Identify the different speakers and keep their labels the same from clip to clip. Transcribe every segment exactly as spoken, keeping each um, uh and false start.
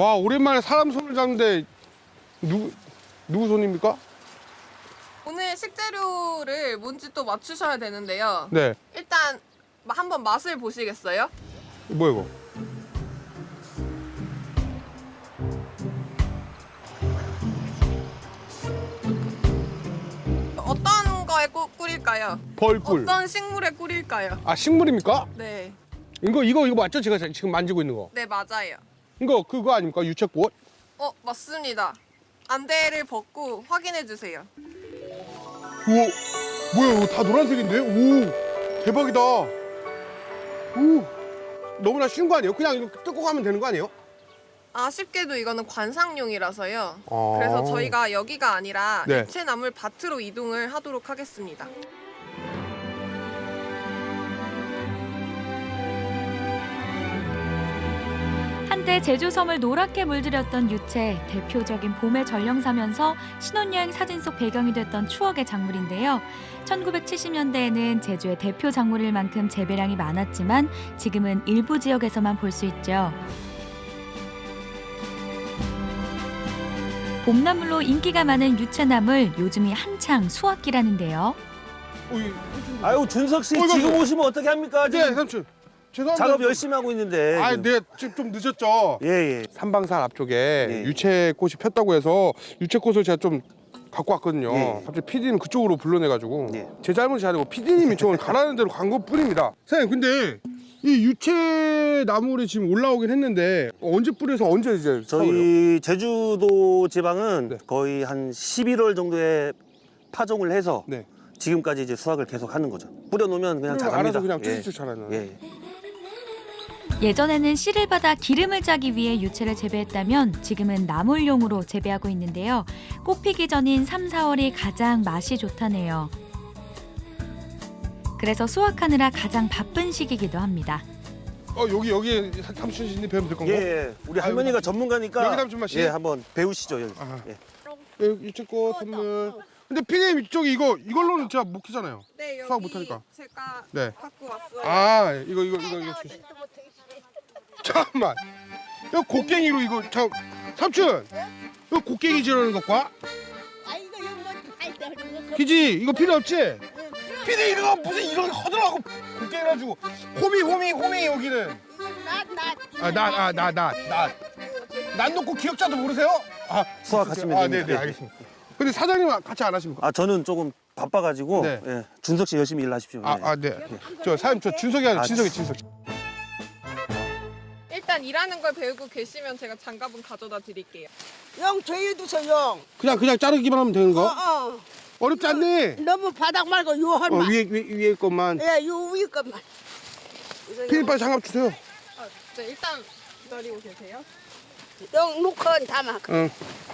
Speaker 1: 와, 오랜만에 사람 손을 잡는데 누구 누구 손입니까?
Speaker 2: 오늘 식재료를 뭔지 또 맞추셔야 되는데요.
Speaker 1: 네.
Speaker 2: 일단 마- 한번 맛을 보시겠어요?
Speaker 1: 뭐야 이거?
Speaker 2: 어떤 거에 꾸, 꿀일까요?
Speaker 1: 벌꿀.
Speaker 2: 어떤 식물에 꿀일까요?
Speaker 1: 아, 식물입니까?
Speaker 2: 네,
Speaker 1: 이거 이거 이거 맞죠? 제가 지금 만지고 있는 거.
Speaker 2: 네 맞아요.
Speaker 1: 이거 그거 아닙니까? 유채꽃?
Speaker 2: 어 맞습니다. 안대를 벗고 확인해 주세요.
Speaker 1: 우와, 뭐야 이거 다 노란색인데? 오, 대박이다. 오, 너무나 쉬운 거 아니에요? 그냥 이거 뜯고 가면 되는 거 아니에요?
Speaker 2: 아쉽게도 이거는 관상용이라서요.
Speaker 1: 아.
Speaker 2: 그래서 저희가 여기가 아니라
Speaker 1: 네.
Speaker 2: 유채나물 밭으로 이동을 하도록 하겠습니다.
Speaker 3: 한때 제주섬을 노랗게 물들였던 유채, 대표적인 봄의 전령사면서 신혼여행 사진 속 배경이 됐던 추억의 작물인데요. 천구백칠십 년대에는 제주의 대표 작물일 만큼 재배량이 많았지만 지금은 일부 지역에서만 볼 수 있죠. 봄나물로 인기가 많은 유채나물, 요즘이 한창 수확기라는데요.
Speaker 1: 어, 이-
Speaker 4: 아유 준석 씨
Speaker 1: 어, 이거
Speaker 4: 지금
Speaker 1: 뭐-
Speaker 4: 오시면 어떻게 합니까?
Speaker 1: 네,
Speaker 4: 지금
Speaker 1: 삼촌. 죄송합니다.
Speaker 4: 작업 열심히 하고 있는데.
Speaker 1: 아,
Speaker 4: 지금.
Speaker 1: 네, 지금 좀 늦었죠.
Speaker 4: 예, 예.
Speaker 1: 삼방산 앞쪽에
Speaker 4: 예.
Speaker 1: 유채꽃이 폈다고 해서 유채꽃을 제가 좀 갖고 왔거든요.
Speaker 4: 예.
Speaker 1: 갑자기 피디님 그쪽으로 불러내가지고
Speaker 4: 예.
Speaker 1: 제 잘못이 아니고 피디님이 저를 가라는 대로 간 것뿐입니다. 사장님, 근데 이 유채 나물이 지금 올라오긴 했는데 언제 뿌려서 언제 이제 수확을 해요?
Speaker 4: 저희 제주도 지방은
Speaker 1: 네.
Speaker 4: 거의 한 십일월 정도에 파종을 해서
Speaker 1: 네.
Speaker 4: 지금까지 이제 수확을 계속 하는 거죠. 뿌려놓으면 그냥
Speaker 1: 그럼
Speaker 4: 자랍니다.
Speaker 1: 알아서 그냥
Speaker 4: 예.
Speaker 1: 쭉쭉 자라는.
Speaker 4: 예.
Speaker 3: 예전에는 씨를 받아 기름을 짜기 위해 유채를 재배했다면 지금은 나물용으로 재배하고 있는데요. 꽃피기 전인 삼, 사월이 가장 맛이 좋다네요. 그래서 수확하느라 가장 바쁜 시기이기도 합니다.
Speaker 1: 어, 여기 여기 삼촌님 배우면 될 건가?
Speaker 4: 예, 예. 우리 할머니가 전문가니까
Speaker 1: 여기 삼촌 맛이?
Speaker 4: 예, 한번 배우시죠. 여기.
Speaker 1: 아하.
Speaker 4: 예.
Speaker 1: 예, 유채꽃 선물. 근데 피디님 이쪽이 이거 이걸로는 제가 못 키잖아요.
Speaker 2: 네 여기
Speaker 1: 수확 못하니까.
Speaker 2: 제가
Speaker 1: 네.
Speaker 2: 갖고 왔어요.
Speaker 1: 아, 이거 이거 이거 이거. 주시- 잠깐만. 이거 곡괭이로 이거 저 삼촌. 이거 곡괭이 지르는 것과
Speaker 5: 아 이거 이거 뭐다 있다 그거
Speaker 1: 기지 이거 필요 없지? 피디 이거 무슨 이런 허들하고 곡괭이 가지고 호미 호미 호미 여기는.
Speaker 5: 나나
Speaker 1: 아, 나 아, 나 나 나. 난 놓고 기억자도 모르세요? 아,
Speaker 4: 수확하시면
Speaker 1: 아, 네,
Speaker 4: 됩니다.
Speaker 1: 네, 알겠습니다. 근데 사장님 같이 안 하십니까?
Speaker 4: 아, 저는 조금 바빠가지고
Speaker 1: 네.
Speaker 4: 예. 준석 씨 열심히 일하십시오.
Speaker 1: 아,
Speaker 4: 예.
Speaker 1: 아, 네. 저 사장님 저 준석이 아니라
Speaker 4: 아,
Speaker 1: 진석이 진석.
Speaker 2: 일단 일하는 걸 배우고 계시면 제가 장갑은 가져다 드릴게요.
Speaker 5: 영 저희도서 영.
Speaker 1: 그냥 그냥 자르기만 하면 되는 거?
Speaker 5: 어어.
Speaker 1: 어렵지 않니?
Speaker 5: 너무 바닥 말고 요
Speaker 1: 어,
Speaker 5: 한만.
Speaker 1: 위에 위에 위에 것만.
Speaker 5: 예, 요 위에 것만. 이거
Speaker 1: 피디 빨리 장갑 주세요.
Speaker 2: 아, 네, 일단 기다리고 계세요.
Speaker 5: 영 놓고 담아.
Speaker 1: 응.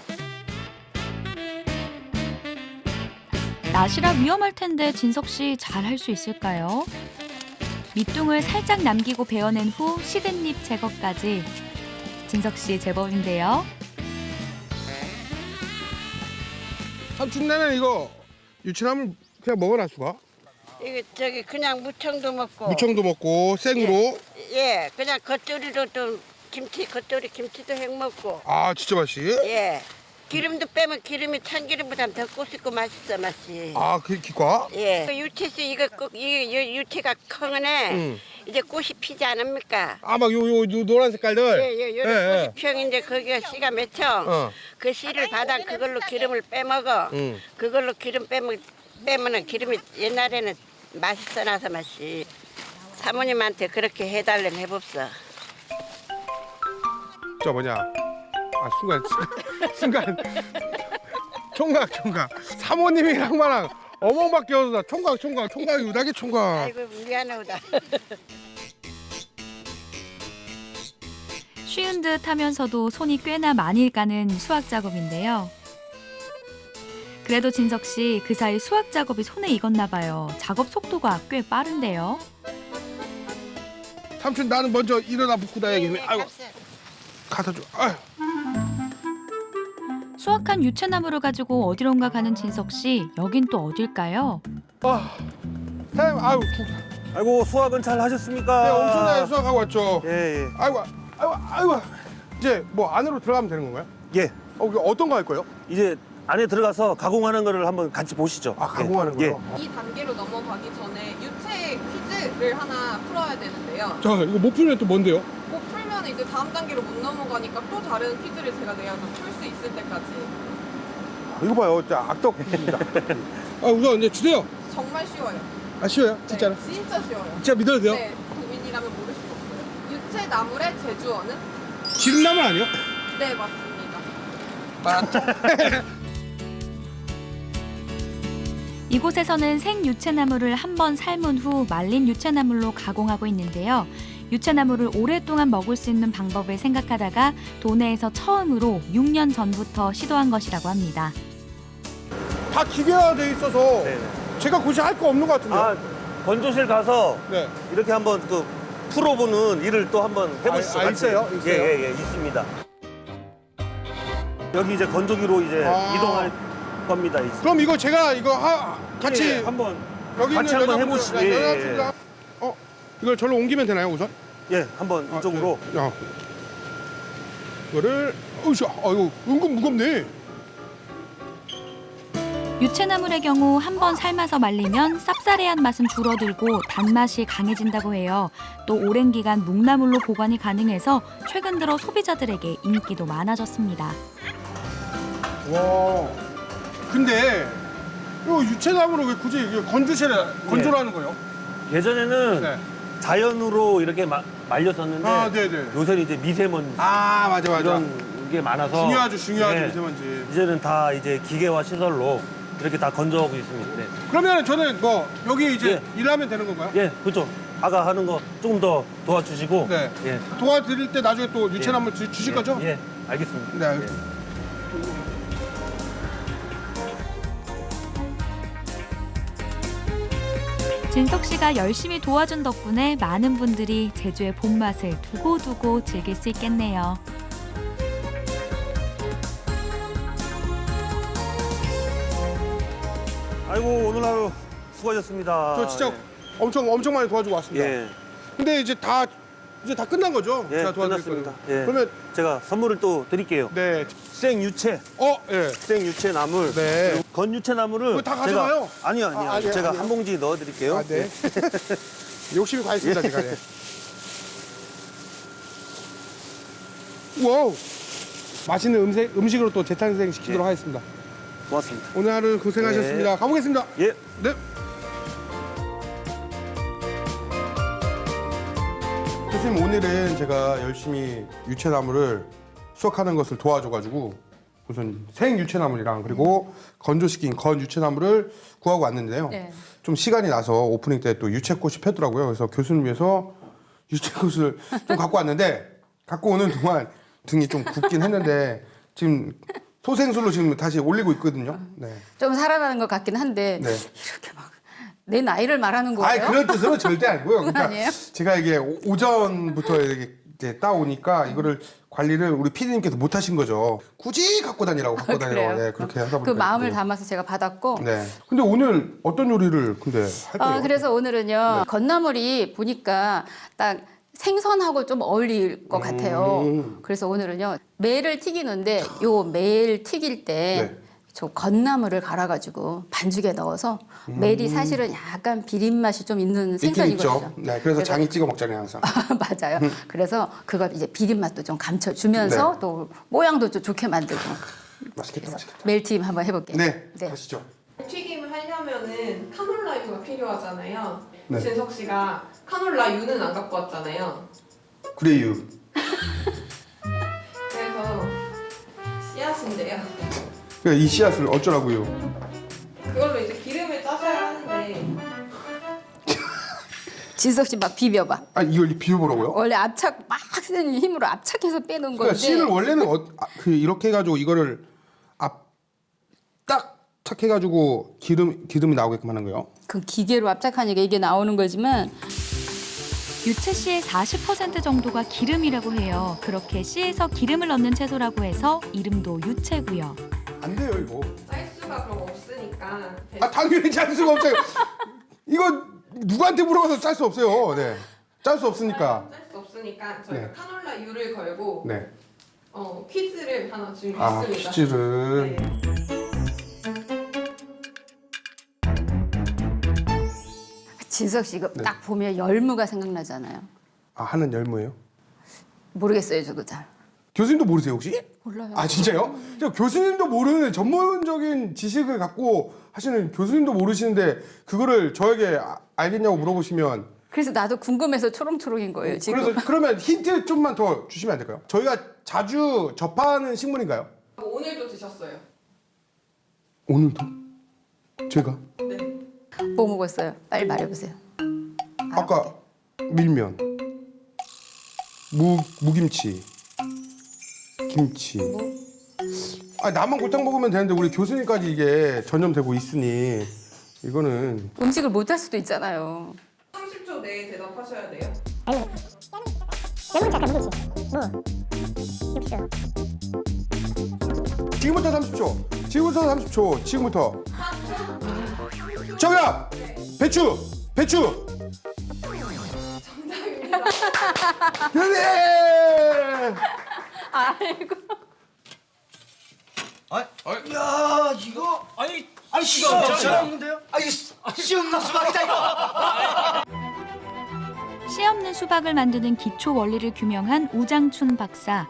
Speaker 3: 낫이라 위험할 텐데 진석 씨 잘 할 수 있을까요? 밑둥을 살짝 남기고 베어낸 후 시든 잎 제거까지. 진석 씨 제법인데요.
Speaker 1: 삼촌 내는 이거 유치나물 그냥 먹어라 수가.
Speaker 5: 이거 저기 그냥 무청도 먹고.
Speaker 1: 무청도 먹고 생으로.
Speaker 5: 예, 그냥 겉절이로 또 김치 겉절이 김치도 해 먹고.
Speaker 1: 아 진짜 맛이.
Speaker 5: 예. 기름도 빼면 기름이 참기름보다 더 꼬숩고 맛있어 맛이.
Speaker 1: 아그 기과.
Speaker 5: 예. 그 유채씨 이거 꼭 이게 유- 유채가 커네.
Speaker 1: 응.
Speaker 5: 이제 꽃이 피지 않습니까?
Speaker 1: 아막 요 요 노란 색깔들.
Speaker 5: 예, 예, 요런
Speaker 1: 예,
Speaker 5: 꽃이 피었는데 거기가 씨가 맺혀.
Speaker 1: 어.
Speaker 5: 그 씨를 받아 그걸로 기름을 빼먹어.
Speaker 1: 응.
Speaker 5: 그걸로 기름 빼먹 빼면은 기름이 옛날에는 맛있어 나서 맛이. 사모님한테 그렇게 해달래 해봅소.
Speaker 1: 저 뭐냐. 아 순간 순간 총각 총각 사모님이랑 마랑 어멍밖에 없어. 총각 총각 총각이 우다기 총각.
Speaker 5: 아이고 미안하다.
Speaker 3: 쉬운 듯 하면서도 손이 꽤나 많이 가는 수확 작업인데요. 그래도 진석 씨 그 사이 수확 작업이 손에 익었나 봐요. 작업 속도가 꽤 빠른데요.
Speaker 1: 삼촌 나는 먼저 일어나 붙고 다야겠네. 아이고
Speaker 5: 값을.
Speaker 1: 가서 줘. 아유.
Speaker 3: 수확한 유채나무를 가지고 어디론가 가는 진석 씨. 여긴 또 어딜까요?
Speaker 1: 아. 사장님 아유 두.
Speaker 4: 아이고 수확은 잘 하셨습니까?
Speaker 1: 네, 엄청나게 수확하고 왔죠.
Speaker 4: 예, 예.
Speaker 1: 아이고, 아이고, 아이고. 이제 뭐 안으로 들어가면 되는 건가요?
Speaker 4: 예.
Speaker 1: 어, 이거 어떤 거 할 거예요?
Speaker 4: 이제 안에 들어가서 가공하는 거를 한번 같이 보시죠.
Speaker 1: 아, 가공하는
Speaker 4: 예.
Speaker 1: 거요?
Speaker 2: 이 단계로 넘어가기 전에 유체 퀴즈를 하나 풀어야 되는데요.
Speaker 1: 잠깐 이거 못 풀면 또 뭔데요?
Speaker 2: 못 풀면 이제 다음 단계로 못 넘어가니까 또 다른 퀴즈를 제가 내야죠. 풀 수 있을 때까지.
Speaker 1: 아, 이거 봐요. 진짜 악덕 퀴즈입니다. 아, 우선 이제 주세요.
Speaker 2: 정말 쉬워요.
Speaker 1: 아, 쉬워요? 진짜로?
Speaker 2: 네, 진짜 쉬워요.
Speaker 1: 진짜 믿어도 돼요?
Speaker 2: 네, 국민이라면 모를 수 없어요. 유체 나물의 제주어는?
Speaker 1: 지름나물 아니요?
Speaker 2: 네, 맞습니다.
Speaker 1: 맞죠?
Speaker 3: 이곳에서는 생유채나물을 한 번 삶은 후 말린 유채나물로 가공하고 있는데요. 유채나물을 오랫동안 먹을 수 있는 방법을 생각하다가 도내에서 처음으로 육 년 전부터 시도한 것이라고 합니다.
Speaker 1: 다 기계화돼 있어서
Speaker 4: 네.
Speaker 1: 제가 굳이 할 거 없는 것 같은데요?
Speaker 4: 아, 건조실 가서
Speaker 1: 네.
Speaker 4: 이렇게 한번 그 풀어보는 일을 또 한번 해보시죠.
Speaker 1: 아, 아,
Speaker 4: 같이.
Speaker 1: 있어요? 있어요?
Speaker 4: 예, 예, 예, 있습니다. 여기 이제 건조기로 이제
Speaker 1: 아.
Speaker 4: 이동할 겁니다. 이제.
Speaker 1: 그럼 이거 제가 이거 하, 같이
Speaker 4: 예, 한번
Speaker 1: 여기
Speaker 4: 같이
Speaker 1: 있는
Speaker 4: 한번
Speaker 1: 여자분들,
Speaker 4: 해보시죠.
Speaker 1: 네,
Speaker 4: 예, 예,
Speaker 1: 여자분들, 어, 이걸 절로 옮기면 되나요, 우선?
Speaker 4: 예, 한번
Speaker 1: 아,
Speaker 4: 이쪽으로.
Speaker 1: 네. 야. 이거를 어이씨, 아이고 은근 무겁네.
Speaker 3: 유채나물의 경우 한 번 삶아서 말리면 쌉싸래한 맛은 줄어들고 단맛이 강해진다고 해요. 또 오랜 기간 묵나물로 보관이 가능해서 최근 들어 소비자들에게 인기도 많아졌습니다.
Speaker 1: 와. 근데 이 유채나무를 왜 굳이 이게 건조실에 건조를 하는 거예요?
Speaker 4: 예전에는
Speaker 1: 네.
Speaker 4: 자연으로 이렇게 마, 말렸었는데
Speaker 1: 아, 네네.
Speaker 4: 요새는 이제 미세먼지
Speaker 1: 아, 맞아, 맞아.
Speaker 4: 이런 게 많아서
Speaker 1: 중요하죠, 중요하죠,
Speaker 4: 네.
Speaker 1: 미세먼지.
Speaker 4: 이제는 다 이제 기계화 시설로 이렇게 다 건조하고 있습니다. 네.
Speaker 1: 그러면 저는 뭐 여기 이제
Speaker 4: 예.
Speaker 1: 일하면 되는 건가요?
Speaker 4: 예, 그렇죠. 아가 하는 거 조금 더 도와주시고.
Speaker 1: 네.
Speaker 4: 예.
Speaker 1: 도와드릴 때 나중에 또 유채나물 주, 주실
Speaker 4: 예,
Speaker 1: 거죠?
Speaker 4: 예, 알겠습니다.
Speaker 1: 네, 알겠습니다.
Speaker 3: 진석 씨가 열심히 도와준 덕분에 많은 분들이 제주의 봄맛을 두고두고 즐길 수 있겠네요.
Speaker 4: 아이고, 오늘 하루 수고하셨습니다.
Speaker 1: 저 진짜
Speaker 4: 네.
Speaker 1: 엄청 엄청 많이 도와주고 왔습니다.
Speaker 4: 예,
Speaker 1: 근데 이제 다 이제 다 끝난 거죠?
Speaker 4: 예,
Speaker 1: 제가 도와드릴
Speaker 4: 끝났습니다.
Speaker 1: 거는.
Speaker 4: 예.
Speaker 1: 그러면
Speaker 4: 제가 선물을 또 드릴게요.
Speaker 1: 네.
Speaker 4: 생유채,
Speaker 1: 어, 예.
Speaker 4: 생유채 나물.
Speaker 1: 네.
Speaker 4: 그리고 건유채 나물을
Speaker 1: 그거 다 가져가요?
Speaker 4: 제가, 아니요, 아니요.
Speaker 1: 아, 아니에요,
Speaker 4: 제가
Speaker 1: 아니에요.
Speaker 4: 한 봉지 넣어드릴게요.
Speaker 1: 아, 네. 욕심이 가 있습니다, 제가. 예. 와우. 맛있는 음식, 음식으로 또 재탄생 시키도록
Speaker 4: 예.
Speaker 1: 하겠습니다.
Speaker 4: 고맙습니다.
Speaker 1: 오늘 하루 고생하셨습니다.
Speaker 4: 네.
Speaker 1: 가보겠습니다.
Speaker 4: 예.
Speaker 1: 네. 교수님, 오늘은 제가 열심히 유채나물을 수확하는 것을 도와줘가지고 우선 생유채나물이랑 그리고 건조시킨 건 유채나물을 구하고 왔는데요.
Speaker 6: 네.
Speaker 1: 좀 시간이 나서 오프닝 때 또 유채꽃이 폈더라고요. 그래서 교수님 위해서 유채꽃을 좀 갖고 왔는데 갖고 오는 동안 등이 좀 굽긴 했는데 지금 소생술로 지금 다시 올리고 있거든요. 네.
Speaker 6: 좀 살아나는 것 같긴 한데
Speaker 1: 네.
Speaker 6: 이렇게 막 내 나이를 말하는 거예요?
Speaker 1: 아, 그런 뜻으로 절대 아니고요. 그러니까
Speaker 6: 아니에요?
Speaker 1: 제가 이게 오- 오전부터 이렇게 이제 따오니까 이거를 관리를 우리 피디님께서 못 하신 거죠. 굳이 갖고 다니라고 갖고
Speaker 6: 아,
Speaker 1: 다니라고.
Speaker 6: 그래요?
Speaker 1: 네, 그렇게 하다 보니까.
Speaker 6: 그 마음을
Speaker 1: 네.
Speaker 6: 담아서 제가 받았고
Speaker 1: 네. 근데 오늘 어떤 요리를 근데 할 거예요?
Speaker 6: 어, 그래서 오늘은요 건나물이 보니까 딱 생선하고 좀 어울릴 것 같아요.
Speaker 1: 음.
Speaker 6: 그래서 오늘은요 매를 튀기는데 요 매를 튀길 때
Speaker 1: 네.
Speaker 6: 저 건나물을 갈아가지고 반죽에 넣어서 매이 사실은 약간 비린 맛이 좀 있는
Speaker 1: 음. 있긴
Speaker 6: 생선이거든요.
Speaker 1: 있죠. 네, 그래서 장이 찍어 먹잖아요, 항상.
Speaker 6: 맞아요. 그래서 그걸 이제 비린 맛도 좀 감춰주면서
Speaker 1: 네.
Speaker 6: 또 모양도 좀 좋게 만들고
Speaker 1: 맛있겠다, 맛있겠다.
Speaker 6: 멜튀김 한번 해볼게요.
Speaker 1: 네,
Speaker 6: 네.
Speaker 1: 가시죠.
Speaker 2: 튀김을 하려면은 카놀라유가 필요하잖아요.
Speaker 1: 네.
Speaker 2: 진석 씨가 카놀라유는 안 갖고 왔잖아요.
Speaker 1: 그래요.
Speaker 2: 그래서 씨앗인데요.
Speaker 1: 그러니까 이 씨앗을 어쩌라고요?
Speaker 2: 그걸로 이제 기름을 짜셔야 하는데
Speaker 6: 진석 씨 막 비벼봐.
Speaker 1: 아, 이걸 비벼보라고요?
Speaker 6: 원래 압착 막 쓰는 힘으로 압착해서 빼는
Speaker 1: 그러니까
Speaker 6: 건데.
Speaker 1: 씨를 원래는 어, 아, 그 이렇게 해가지고 이거를 앞딱 착해가지고 기름 기름이 나오게끔 하는 거예요.
Speaker 6: 그 기계로 압착하니까 이게 나오는 거지만
Speaker 3: 유채 씨의 사십 퍼센트 정도가 기름이라고 해요. 그렇게 씨에서 기름을 얻는 채소라고 해서 이름도 유채고요.
Speaker 1: 안 돼요 이거.
Speaker 2: 짤 수가 그럼 없으니까
Speaker 1: 아 당연히 짤 수가 없어요. 이거 누구한테 물어봐도 짤 수 없어요. 네, 짤 수 없으니까.
Speaker 2: 짤 수 없으니까 저희가
Speaker 1: 네.
Speaker 2: 카놀라유를 걸고
Speaker 1: 네.
Speaker 2: 어, 퀴즈를 하나
Speaker 1: 아,
Speaker 2: 준비했습니다.
Speaker 1: 퀴즈를.
Speaker 2: 네.
Speaker 6: 진석 씨 이거
Speaker 1: 네.
Speaker 6: 딱 보면 열무가 생각나잖아요.
Speaker 1: 아, 하는 열무예요?
Speaker 6: 모르겠어요, 저도 잘.
Speaker 1: 교수님도 모르세요, 혹시?
Speaker 6: 몰라요.
Speaker 1: 아, 진짜요? 저 교수님도 모르는 전문적인 지식을 갖고 하시는 교수님도 모르시는데 그거를 저에게 아- 알겠냐고 물어보시면
Speaker 6: 그래서 나도 궁금해서 초롱초롱인 거예요, 지금.
Speaker 1: 그래서 그러면 힌트 좀만 더 주시면 안 될까요? 저희가 자주 접하는 식물인가요?
Speaker 2: 오늘도 드셨어요.
Speaker 1: 오늘도? 제가?
Speaker 2: 네.
Speaker 6: 뭐 먹었어요? 빨리 말해보세요.
Speaker 1: 아까 밀면, 무 무김치, 김치. 아, 나만 골탕 먹으면 되는데 우리 교수님까지 이게 전염되고 있으니 이거는
Speaker 6: 음식을 못 할 수도 있잖아요.
Speaker 2: 삼십 초 내에 대답하셔야 돼요.
Speaker 1: 지금부터 삼십 초. 지금부터 삼십 초. 지금부터. 정답. 배추. 배추.
Speaker 2: 정답입니다.
Speaker 1: 그래.
Speaker 6: 아이고.
Speaker 7: 아, 야 이거 아니 아니 씨 없는데요? 아니 씨 없는 수박이다 이거.
Speaker 3: 씨 없는 수박을 만드는 기초 원리를 규명한 우장춘 박사.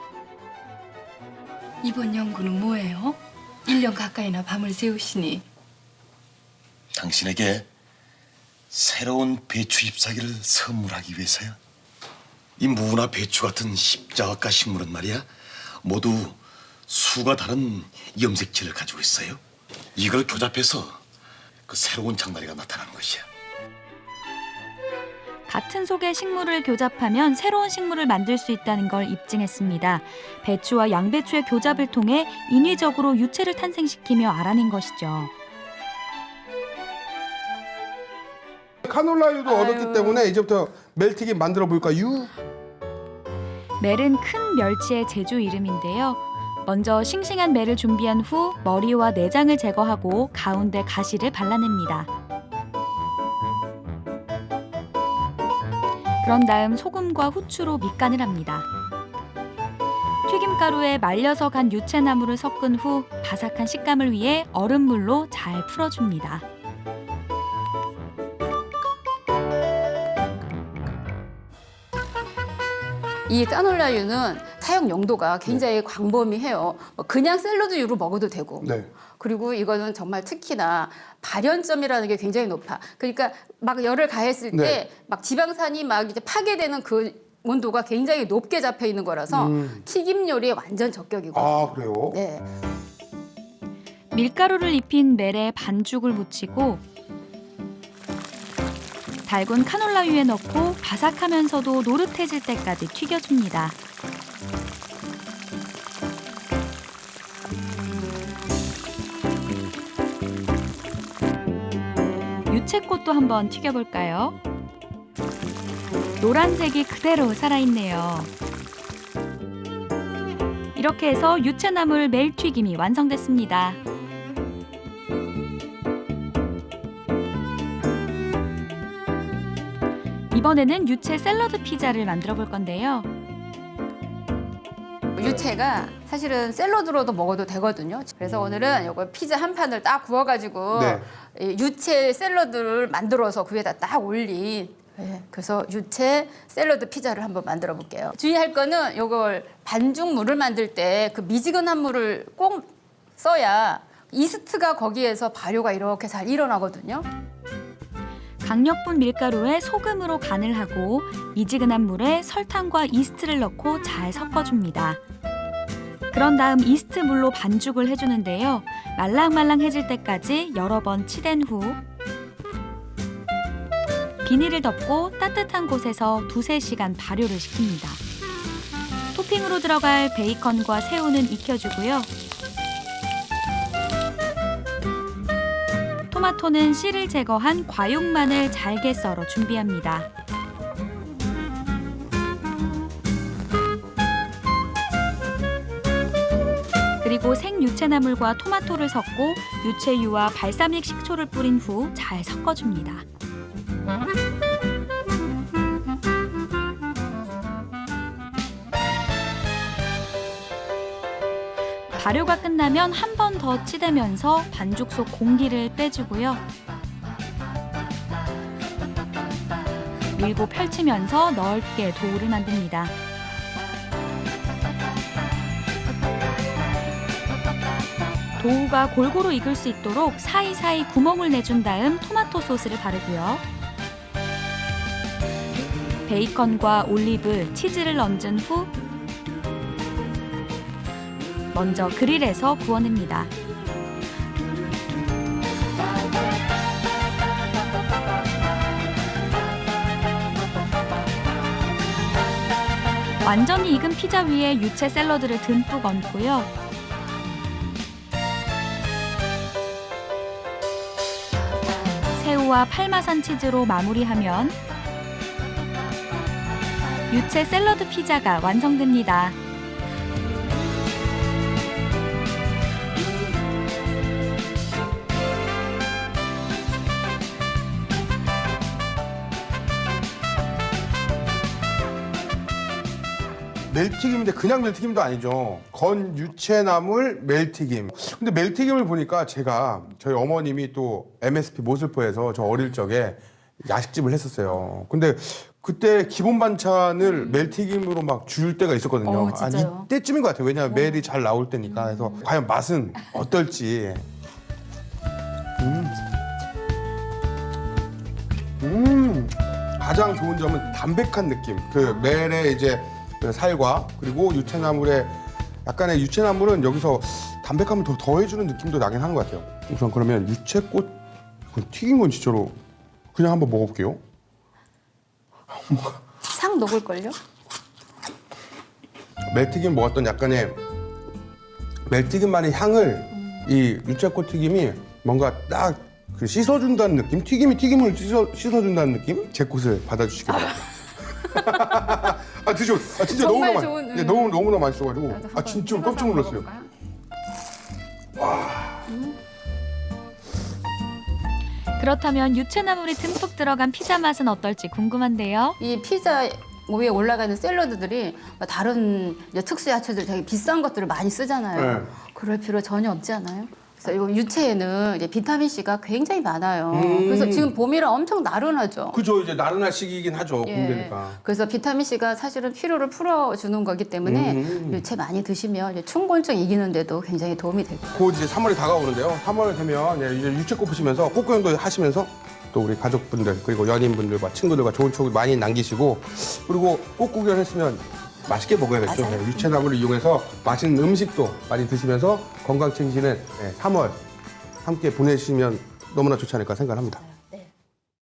Speaker 8: 이번 연구는 뭐예요? 일 년 가까이나 밤을 새우시니.
Speaker 7: 당신에게 새로운 배추 잎사귀를 선물하기 위해서야. 이 무나 배추 같은 십자각가 식물은 말이야 모두 수가 다른 염색체를 가지고 있어요. 이걸 교잡해서 그 새로운 장마리가 나타나는 것이야.
Speaker 3: 같은 속의 식물을 교잡하면 새로운 식물을 만들 수 있다는 걸 입증했습니다. 배추와 양배추의 교잡을 통해 인위적으로 유채를 탄생시키며 알아낸 것이죠.
Speaker 1: 카놀라유도
Speaker 6: 아유.
Speaker 1: 얻었기 때문에 이제부터 멜티기 만들어 볼까요?
Speaker 3: 멜은 큰 멸치의 제주 이름인데요. 먼저 싱싱한 멜을 준비한 후 머리와 내장을 제거하고 가운데 가시를 발라냅니다. 그런 다음 소금과 후추로 밑간을 합니다. 튀김가루에 말려서 간 유채나무를 섞은 후 바삭한 식감을 위해 얼음물로 잘 풀어줍니다.
Speaker 6: 이 까놀라유는 사용 용도가 굉장히 광범위해요. 뭐 그냥 샐러드유로 먹어도 되고.
Speaker 1: 네.
Speaker 6: 그리고 이거는 정말 특히나 발연점이라는 게 굉장히 높아. 그러니까 막 열을 가했을
Speaker 1: 네.
Speaker 6: 때 막 지방산이 막 이제 파괴되는 그 온도가 굉장히 높게 잡혀 있는 거라서
Speaker 1: 음.
Speaker 6: 튀김 요리에 완전 적격이고.
Speaker 1: 아, 그래요?
Speaker 6: 네.
Speaker 3: 밀가루를 입힌 멜에 반죽을 묻히고 달군 카놀라유에 넣고 바삭하면서도 노릇해질 때까지 튀겨줍니다. 유채꽃도 한번 튀겨볼까요? 노란색이 그대로 살아있네요. 이렇게 해서 유채나물 멜튀김이 완성됐습니다. 이번에는 유채 샐러드 피자를 만들어 볼 건데요.
Speaker 6: 유채가 사실은 샐러드로도 먹어도 되거든요. 그래서 오늘은 이거 피자 한 판을 딱 구워가지고
Speaker 1: 네.
Speaker 6: 이 유채 샐러드를 만들어서 그 위에다 딱 올린. 네, 그래서 유채 샐러드 피자를 한번 만들어 볼게요. 주의할 거는 이걸 반죽 물을 만들 때 그 미지근한 물을 꼭 써야 이스트가 거기에서 발효가 이렇게 잘 일어나거든요.
Speaker 3: 강력분 밀가루에 소금으로 간을 하고 미지근한 물에 설탕과 이스트를 넣고 잘 섞어줍니다. 그런 다음 이스트 물로 반죽을 해주는데요. 말랑말랑해질 때까지 여러 번 치댄 후 비닐을 덮고 따뜻한 곳에서 두세 시간 발효를 시킵니다. 토핑으로 들어갈 베이컨과 새우는 익혀주고요. 토마토는 씨를 제거한 과육만을 잘게 썰어 준비합니다. 그리고 생유채나물과 토마토를 섞고 유채유와 발사믹 식초를 뿌린 후 잘 섞어줍니다. 발효가 끝나면 한 번 더 치대면서 반죽 속 공기를 빼주고요. 밀고 펼치면서 넓게 도우를 만듭니다. 도우가 골고루 익을 수 있도록 사이사이 구멍을 내준 다음 토마토 소스를 바르고요. 베이컨과 올리브, 치즈를 얹은 후 먼저 그릴에서 구워냅니다. 완전히 익은 피자 위에 유채 샐러드를 듬뿍 얹고요. 새우와 파마산 치즈로 마무리하면 유채 샐러드 피자가 완성됩니다.
Speaker 1: 멜튀김인데 그냥 멜튀김도 아니죠. 건 유채나물 멜튀김. 근데 멜튀김을 보니까 제가 저희 어머님이 또 엠에스피 모슬포에서 저 어릴 적에 야식집을 했었어요. 근데 그때 기본 반찬을 멜튀김으로 막 줄 때가 있었거든요.
Speaker 6: 어,
Speaker 1: 아니
Speaker 6: 진짜요?
Speaker 1: 이때쯤인 것 같아요. 왜냐하면 멜이 잘 나올 때니까. 그래서 과연 맛은 어떨지. 음. 음. 가장 좋은 점은 담백한 느낌. 그 멜의 이제 그 살과 그리고 유채나물의 약간의 유채나물은 여기서 담백함을 더 더해주는 느낌도 나긴 하는 것 같아요. 우선 그러면 유채꽃 튀긴 건 진짜로 그냥 한번 먹어볼게요.
Speaker 6: 싹 녹을걸요?
Speaker 1: 멜튀김 먹었던 약간의 멜튀김만의 향을 이 유채꽃 튀김이 뭔가 딱 그 씻어준다는 느낌? 튀김이 튀김을 씻어, 씻어준다는 느낌? 제 꽃을 받아주시기 바랍니다. 아 드셔, 아 진짜
Speaker 6: 정말
Speaker 1: 너무나
Speaker 6: 좋은,
Speaker 1: 맛, 네,
Speaker 6: 음.
Speaker 1: 너무 너무나 맛있어가지고
Speaker 6: 나도
Speaker 1: 아
Speaker 6: 한번
Speaker 1: 진짜로
Speaker 6: 찍어서
Speaker 1: 깜짝 놀랐어요.
Speaker 6: 먹어볼까요?
Speaker 3: 그렇다면 유채나물이 듬뿍 들어간 피자 맛은 어떨지 궁금한데요.
Speaker 6: 이 피자 위에 올라가는 샐러드들이 다른 이제 특수 야채들 되게 비싼 것들을 많이 쓰잖아요.
Speaker 1: 네.
Speaker 6: 그럴 필요 전혀 없지 않아요? 그래서 이 유채에는 이제 비타민 C가 굉장히 많아요.
Speaker 1: 음.
Speaker 6: 그래서 지금 봄이라 엄청 나른하죠.
Speaker 1: 그죠, 이제 나른한 시기이긴 하죠.
Speaker 6: 예.
Speaker 1: 봄되니까.
Speaker 6: 그래서 비타민 C가 사실은 피로를 풀어주는 거기 때문에
Speaker 1: 음.
Speaker 6: 유채 많이 드시면 이제 충곤증 이기는데도 굉장히 도움이 되고.
Speaker 1: 곧 이제 삼월이 다가오는데요. 삼월 되면 예, 이제 유채꽃 보시면서 꽃구경도 하시면서 또 우리 가족분들 그리고 연인분들과 친구들과 좋은 추억을 많이 남기시고 그리고 꽃구경 했으면 맛있게 먹어야겠죠.
Speaker 6: 맞아요.
Speaker 1: 예, 유채나물을 이용해서 맛있는 음식도 많이 드시면서 건강 챙기시는 예, 삼월 함께 보내시면 너무나 좋지 않을까 생각합니다.